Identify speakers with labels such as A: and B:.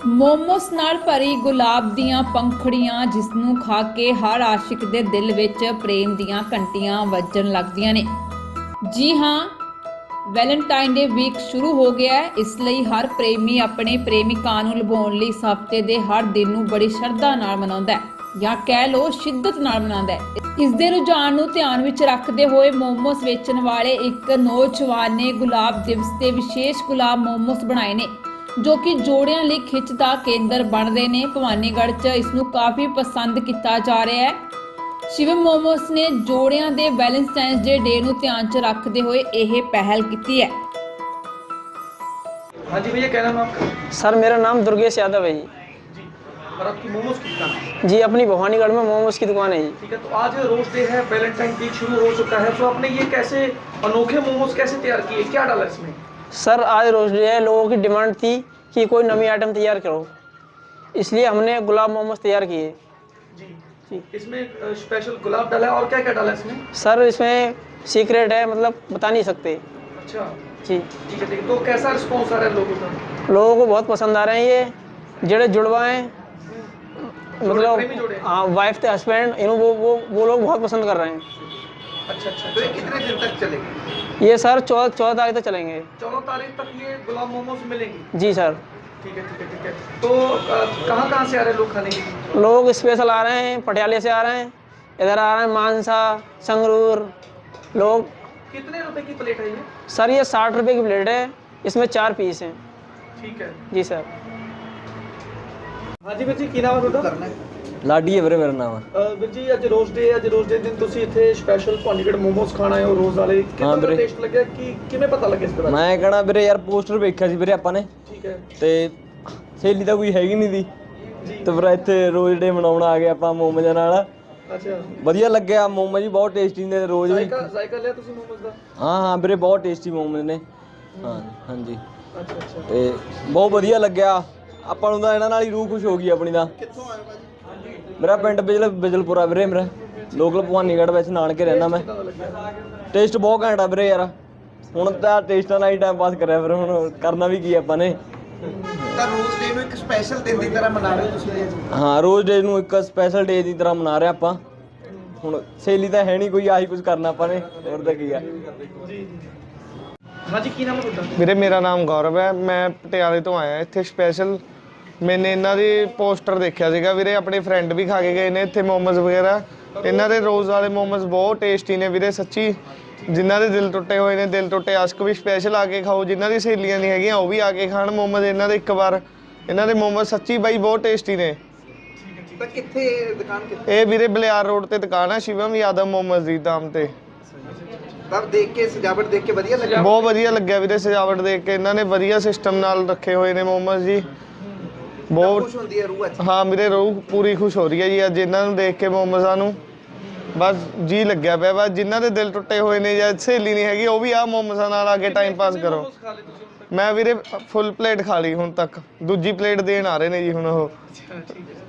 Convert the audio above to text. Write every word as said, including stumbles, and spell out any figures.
A: ਮੋਮੋਸ ਨਾਲ ਭਰੀ ਗੁਲਾਬ ਦੀਆਂ ਪੰਖੜੀਆਂ, ਜਿਸ ਨੂੰ ਖਾ ਕੇ ਹਰ ਆਸ਼ਿਕ ਦੇ ਦਿਲ ਵਿੱਚ ਪ੍ਰੇਮ ਦੀਆਂ ਘੰਟੀਆਂ ਵੱਜਣ ਲੱਗਦੀਆਂ ਨੇ। ਜੀ ਹਾਂ, ਵੈਲੈਂਟਾਈਨ ਡੇ ਵੀਕ ਸ਼ੁਰੂ ਹੋ ਗਿਆ ਹੈ। ਇਸ ਲਈ ਹਰ ਪ੍ਰੇਮੀ ਆਪਣੇ ਪ੍ਰੇਮਿਕਾ ਨੂੰ ਲੁਭਾਉਣ ਲਈ ਇਸ ਹਫ਼ਤੇ ਦੇ ਹਰ ਦਿਨ ਨੂੰ ਬੜੀ ਸ਼ਰਧਾ ਨਾਲ ਮਨਾਉਂਦਾ ਹੈ, ਜਾਂ ਕਹਿ ਲਓ ਸ਼ਿੱਦਤ ਨਾਲ ਮਨਾਉਂਦਾ ਹੈ। ਇਸ ਦੇ ਰੁਝਾਨ ਨੂੰ ਧਿਆਨ ਵਿੱਚ ਰੱਖਦੇ ਹੋਏ ਮੋਮੋਸ ਵੇਚਣ ਵਾਲੇ ਇੱਕ ਨੌਜਵਾਨ ਨੇ ਗੁਲਾਬ ਦਿਵਸ ਤੇ ਵਿਸ਼ੇਸ਼ ਗੁਲਾਬ ਮੋਮੋਸ ਬਣਾਏ ਨੇ, ਜੋ ਕਿ ਜੋੜਿਆਂ ਲਈ ਖਿੱਚ ਦਾ ਕੇਂਦਰ ਬਣਦੇ ਨੇ। ਭਵਾਨੀਗੜ੍ਹ 'ਚ ਇਸ ਨੂੰ ਕਾਫੀ ਪਸੰਦ ਕੀਤਾ ਜਾ ਰਿਹਾ ਹੈ। ਸ਼ਿਵਮ ਮੋਮੋਸ ਨੇ ਜੋੜਿਆਂ ਦੇ ਵੈਲੈਂਟਾਈਨਸ ਡੇ ਨੂੰ ਧਿਆਨ 'ਚ ਰੱਖਦੇ ਹੋਏ ਇਹ ਪਹਿਲ ਕੀਤੀ है।
B: हाँ जी भैया, क्या नाम है आपका?
C: सर मेरा नाम दुर्गेश यादव है जी।
B: जी, और आपकी मोमोज की दुकान है?
C: जी, अपनी भवानीगढ़ में मोमोज की दुकान है जी।
B: ठीक है, तो आज रोज डे है, वैलेंटाइन वीक शुरू हो चुका है, तो आपने ये कैसे अनोखे मोमोज कैसे तैयार किए, क्या डाला इसमें?
C: सर आज रोज डे है, लोगों की डिमांड थी कि कोई नवी आइटम तैयार करो, इसलिए हमने गुलाब मोमोज तैयार किए।
B: जी जी, इसमें स्पेशल गुलाब डाला है, और क्या क्या डाला है इसमें?
C: सर इसमें सीक्रेट है, मतलब बता नहीं सकते।
B: अच्छा
C: जी
B: ठीक है ठीक है, तो कैसा रिस्पॉन्स आ रहा है लोगों का?
C: लोगों को बहुत पसंद आ रहे हैं। ये जेड़े जुड़वा हैं, मतलब हाँ वाइफ थे हस्बैंड, इन वो वो वो लोग बहुत पसंद कर रहे हैं।
B: अच्छा अच्छा, तो ये कितने दिन तक चलेगी?
C: ये सर चौदह चौदह तारीख तक चलेंगे।
B: चौदह तारीख तक ये गुलाब मोमोज मिलेंगे?
C: जी सर।
B: ठीक है ठीक है ठीक है, तो कहाँ कहाँ से आ रहे हैं लोग खाने के लिए?
C: लोग स्पेशल आ रहे हैं, पटियाले से आ रहे हैं, इधर आ रहे हैं मानसा, संगरूर लोग।
B: कितने रुपए की प्लेट है ये?
C: सर ये साठ रुपए की प्लेट है, इसमें चार पीस हैं।
B: ठीक है
C: जी सर।
B: हाँ जी ਵੀਰ ਜੀ, ਕੀ ਨਾਮ ਹੈ ਤੁਹਾਡਾ?
D: ਲਾਡੀ ਹੈ ਵੀਰੇ ਮੇਰਾ ਨਾਮ।
B: ਵੀਰ ਜੀ ਅੱਜ ਰੋਜ਼ ਡੇ ਅੱਜ ਰੋਜ਼ ਡੇ ਦਿਨ ਤੁਸੀਂ ਇੱਥੇ ਸਪੈਸ਼ਲ ਭਵਾਨੀਗੜ੍ਹ ਮੋਮੋਸ ਖਾਣ ਆਏ ਹੋ ਰੋਜ਼ ਵਾਲੇ, ਕਿੰਨਾ ਦਾ ਟੇਸਟ ਲੱਗਿਆ, ਕਿ ਕਿਵੇਂ ਪਤਾ ਲੱਗਿਆ ਇਸ ਬਾਰੇ?
D: ਮੈਂ ਕਹਣਾ ਵੀਰੇ ਯਾਰ ਪੋਸਟਰ ਵੇਖਿਆ ਸੀ ਵੀਰੇ ਆਪਾਂ ਨੇ,
B: ਠੀਕ ਹੈ,
D: ਤੇ ਸਹੇਲੀ ਤਾਂ ਕੋਈ ਹੈਗੀ ਨਹੀਂ ਦੀ, ਤੇ ਫਿਰ ਇੱਥੇ ਰੋਜ਼ ਡੇ ਮਨਾਉਣ ਆ ਗਏ ਆਪਾਂ ਮੋਮੋਜ਼ਾਂ ਨਾਲ।
B: ਅੱਛਾ,
D: ਵਧੀਆ ਲੱਗਿਆ, ਮੋਮੋ ਜੀ ਬਹੁਤ ਟੇਸਟੀ ਨੇ ਰੋਜ਼ ਵੀ।
B: ਜ਼ਾਇਕਾ ਜ਼ਾਇਕਾ ਲਿਆ ਤੁਸੀਂ ਮੋਮੋਸ ਦਾ?
D: ਹਾਂ ਹਾਂ ਵੀਰੇ ਬਹੁਤ ਟੇਸਟੀ ਮੋਮੋ ਨੇ। ਹਾਂ ਹਾਂਜੀ,
B: ਅੱਛਾ ਅੱਛਾ,
D: ਤੇ ਬਹੁਤ ਵਧੀਆ ਲੱਗਿਆ ਆਪਾਂ ਨੂੰ ਤਾਂ, ਇਹਨਾਂ ਨਾਲ ਹੀ ਰੂਹ ਖੁਸ਼ ਹੋ ਗਈ ਆਪਣੀ ਦਾ।
B: ਕਿੱਥੋਂ ਆਏ ਭਾਜੀ?
D: ਮੇਰਾ ਪਿੰਡ ਬਿਜਲ ਬਿਜਲਪੁਰਾ ਵੀਰੇ, ਮੇਰਾ ਲੋਕਲ ਭਵਾਨੀਗੜ੍ਹ ਵਿੱਚ ਨਾਨਕੇ ਰਹਿਣਾ ਮੈਂ। ਟੇਸਟ ਬਹੁਤ ਘੈਂਟ ਆ ਵੀਰੇ ਯਾਰ, ਹੁਣ ਤਾਂ ਟੇਸਟਾਂ ਨਾਲ ਹੀ ਟਾਈਮ ਪਾਸ ਕਰਿਆ, ਫਿਰ ਹੁਣ ਕਰਨਾ ਵੀ ਕੀ ਆਪਾਂ ਨੇ।
E: ਤਾਂ ਰੋਜ਼ ਡੇ ਨੂੰ ਇੱਕ ਸਪੈਸ਼ਲ ਦਿਨ ਦੀ ਤਰ੍ਹਾਂ ਮਨਾ ਰਹੇ ਹੋ ਤੁਸੀਂ ਅੱਜ?
D: ਹਾਂ, ਰੋਜ਼ ਡੇ ਨੂੰ ਇੱਕ ਸਪੈਸ਼ਲ ਡੇ ਦੀ ਤਰ੍ਹਾਂ ਮਨਾ ਰਹੇ ਆਪਾਂ। ਹੁਣ ਸਹੇਲੀ ਤਾਂ ਹੈ ਨਹੀਂ ਕੋਈ, ਆਹੀ ਕੁਝ ਕਰਨਾ ਆਪਾਂ ਨੇ, ਹੋਰ ਤਾਂ ਕੀ ਆ।
B: हाँ जी, की नाम है ਤੁਹਾਡਾ?
F: ਵੀਰੇ ਮੇਰਾ ਨਾਮ ਗੌਰਵ ਹੈ, ਮੈਂ ਪਟਿਆਲੇ ਤੋਂ ਆਇਆ ਇੱਥੇ ਸਪੈਸ਼ਲ। ਮੈਨੇ ਇਹਨਾਂ ਦੀ ਪੋਸਟਰ ਦੇਖਿਆ ਸੀਗਾ ਵੀਰੇ, ਆਪਣੇ ਫਰੈਂਡ ਵੀ ਖਾ ਕੇ ਗਏ ਨੇ ਇੱਥੇ ਮੋਮੋਜ਼ ਵਗੈਰਾ। ਇਹਨਾਂ ਦੇ ਰੋਜ਼ ਵਾਲੇ ਮੋਮੋਜ਼ ਬਹੁਤ ਟੇਸਟੀ ਨੇ ਵੀਰੇ, ਸੱਚੀ। ਜਿਨ੍ਹਾਂ ਦੇ ਦਿਲ ਟੁੱਟੇ ਹੋਏ ਨੇ, ਦਿਲ ਟੁੱਟੇ ਆਸ਼ਕ ਵੀ ਸਪੈਸ਼ਲ ਆ ਕੇ ਖਾਓ, ਜਿਨ੍ਹਾਂ ਦੀ ਸਹੇਲੀਆਂ ਨਹੀਂ ਹੈਗੀਆਂ ਉਹ ਵੀ ਆ ਕੇ ਖਾਣ ਮੋਮੋਜ਼ ਇਹਨਾਂ ਦੇ ਇੱਕ ਵਾਰ। ਇਹਨਾਂ ਦੇ ਮੋਮੋਜ਼ ਸੱਚੀ ਬਾਈ ਬਹੁਤ ਟੇਸਟੀ ਨੇ।
E: ਤਾਂ ਕਿੱਥੇ ਦੁਕਾਨ ਕਿੱਥੇ?
F: ਇਹ ਵੀਰੇ ਬਲਿਆਰ ਰੋਡ ਤੇ ਦੁਕਾਨ ਹੈ, ਸ਼ਿਵਮ ਯਾਦਵ ਮੋਮੋਜ਼ ਦੀ ਨਾਮ ਤੇ।
E: ਤਾਂ ਦੇਖ ਕੇ ਸਜਾਵਟ ਦੇਖ ਕੇ ਵਧੀਆ ਲੱਗਾ?
F: ਬਹੁਤ ਵਧੀਆ ਲੱਗਿਆ ਵੀਰੇ ਸਜਾਵਟ ਦੇਖ ਕੇ, ਇਹਨਾਂ ਨੇ ਵਧੀਆ ਸਿਸਟਮ ਨਾਲ ਰੱਖੇ ਹੋਏ ਨੇ ਮੋਮੋਜ਼ ਜੀ, ਬਹੁਤ
E: ਖੁਸ਼ ਹੁੰਦੀ ਹੈ ਰੂਹ ਅੱਜ?
F: ਹਾਂ ਵੀਰੇ ਰੂਹ ਪੂਰੀ ਖੁਸ਼ ਹੋ ਰਹੀ ਹੈ ਜੀ ਅੱਜ ਇਹਨਾਂ ਨੂੰ ਦੇਖ ਕੇ, ਮੋਮੋਜ਼ਾਂ ਨੂੰ। ਬਸ ਜੀ ਲੱਗਿਆ ਪਿਆ, ਬਸ ਜਿਨ੍ਹਾਂ ਦੇ ਦਿਲ ਟੁੱਟੇ ਹੋਏ ਨੇ ਜਾਂ ਸਹੇਲੀ ਨਹੀਂ ਹੈਗੀ ਉਹ ਵੀ ਆਹ ਮੋਮੋਜ਼ਾਂ ਨਾਲ ਆ ਕੇ ਟਾਈਮ ਪਾਸ ਕਰੋ। ਮੈਂ ਵੀਰੇ ਫੁੱਲ ਪਲੇਟ ਖਾ ਲਈ ਹੁਣ ਤੱਕ, ਦੂਜੀ ਪਲੇਟ ਦੇਣ ਆ ਰਹੇ ਨੇ ਜੀ ਹੁਣ ਉਹ।
B: ਅੱਛਾ ਠੀਕ ਹੈ,